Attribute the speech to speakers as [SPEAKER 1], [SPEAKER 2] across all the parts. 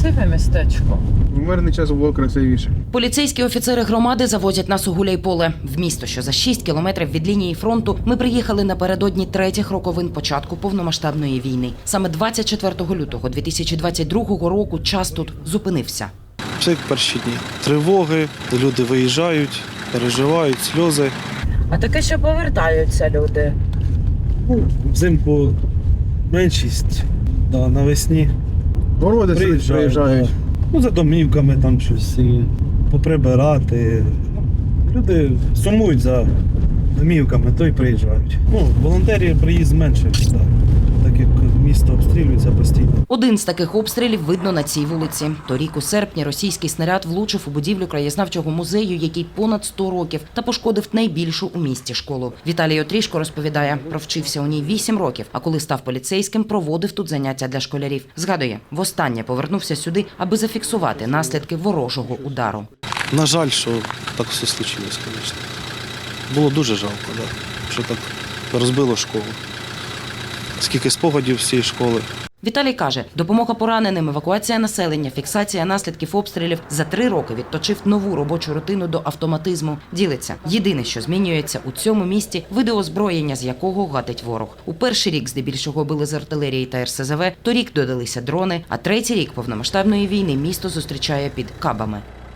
[SPEAKER 1] Красиве містечко.
[SPEAKER 2] В мирний час було красивіше.
[SPEAKER 3] Поліцейські офіцери громади завозять нас у Гуляйполе. В місто, що за 6 кілометрів від лінії фронту, ми приїхали напередодні третіх роковин початку повномасштабної війни. Саме 24 лютого 2022 року час тут зупинився.
[SPEAKER 4] Все як перші дні. Тривоги, люди виїжджають, переживають, сльози.
[SPEAKER 1] А таке, що повертаються люди.
[SPEAKER 4] Взимку меншість, навесні
[SPEAKER 2] Городи приїжджають.
[SPEAKER 4] За домівками там щось і поприбирати. Люди сумують за домівками, то й приїжджають. Волонтерів приїзд менше, так як місто обстрілюється постійно.
[SPEAKER 3] Один з таких обстрілів видно на цій вулиці. Торік у серпні російський снаряд влучив у будівлю краєзнавчого музею, який понад 100 років, та пошкодив найбільшу у місті школу. Віталій Отрішко розповідає, провчився у ній 8 років, а коли став поліцейським, проводив тут заняття для школярів. Згадує, востаннє повернувся сюди, аби зафіксувати наслідки ворожого удару.
[SPEAKER 4] На жаль, що так все случилось, звісно. Було дуже жалко, що так розбило школу. Скільки спогадів з цієї школи.
[SPEAKER 3] Віталій каже, допомога пораненим, евакуація населення, фіксація наслідків обстрілів за 3 роки відточив нову робочу рутину до автоматизму. Ділиться. Єдине, що змінюється у цьому місті – видоозброєння, з якого гатить ворог. У перший рік здебільшого били з артилерії та РСЗВ, торік додалися дрони, а третій рік повномасштабної війни місто зустрічає під кабами.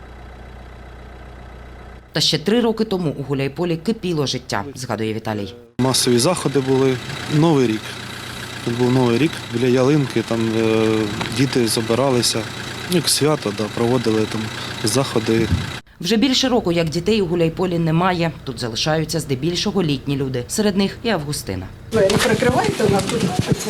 [SPEAKER 3] Та ще 3 роки тому у Гуляйполі кипіло життя, згадує Віталій.
[SPEAKER 4] Масові заходи були. Новий рік. Тут був Новий рік, біля ялинки, там діти збиралися, як свято, проводили там заходи.
[SPEAKER 3] Вже більше року, як дітей у Гуляйполі немає, тут залишаються здебільшого літні люди. Серед них і Августина.
[SPEAKER 5] Двері прикривайте, у нас тут оце.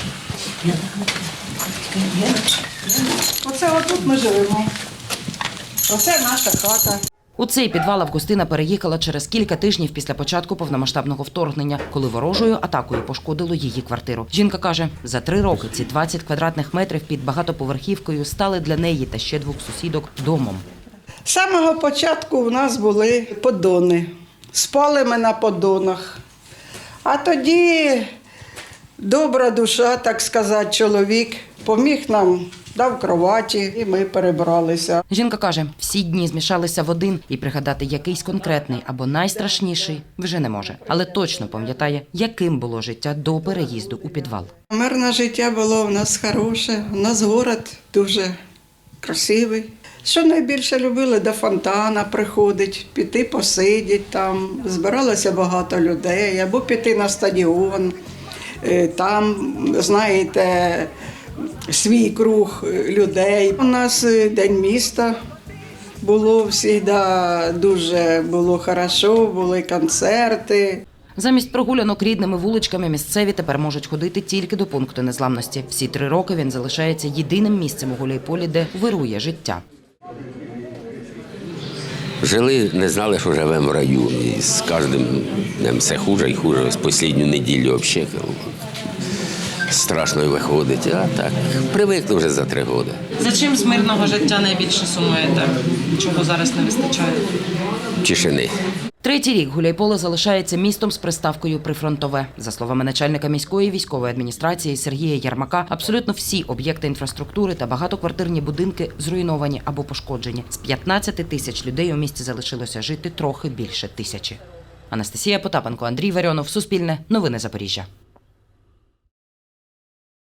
[SPEAKER 5] Оце отут ми живемо. Оце наша хата.
[SPEAKER 3] У цей підвал Августина переїхала через кілька тижнів після початку повномасштабного вторгнення, коли ворожою атакою пошкодило її квартиру. Жінка каже, за 3 роки ці 20 квадратних метрів під багатоповерхівкою стали для неї та ще 2 сусідок домом.
[SPEAKER 5] З самого початку у нас були поддони. Спали ми на поддонах. А тоді добра душа, так сказати, чоловік поміг нам, дав кроваті, і ми перебралися.
[SPEAKER 3] Жінка каже, всі дні змішалися в один, і пригадати якийсь конкретний або найстрашніший вже не може. Але точно пам'ятає, яким було життя до переїзду у підвал.
[SPEAKER 5] Мирне життя було у нас хороше, у нас город дуже красивий. Що найбільше любили, до фонтана приходить, піти посидіти там. Збиралося багато людей, або піти на стадіон. Там, знаєте, свій круг людей. У нас День міста було завжди дуже було хорошо, були концерти.
[SPEAKER 3] Замість прогулянок рідними вуличками місцеві тепер можуть ходити тільки до пункту незламності. Всі 3 роки він залишається єдиним місцем у Гуляйполі, де вирує життя.
[SPEAKER 6] Жили, не знали, що живемо в раю. І з кожним днем все хуже і хуже. З останню неділю взагалі страшно виходить. А так, привикли вже за 3 роки.
[SPEAKER 1] За чим з мирного життя найбільше сумуєте? Чого зараз не вистачає?
[SPEAKER 6] Тишини.
[SPEAKER 3] 3-й рік Гуляйполе залишається містом з приставкою «прифронтове». За словами начальника міської військової адміністрації Сергія Ярмака, абсолютно всі об'єкти інфраструктури та багатоквартирні будинки зруйновані або пошкоджені. З 15 тисяч людей у місті залишилося жити трохи більше 1000. Анастасія Потапенко, Андрій Варіонов, Суспільне, Новини Запоріжжя.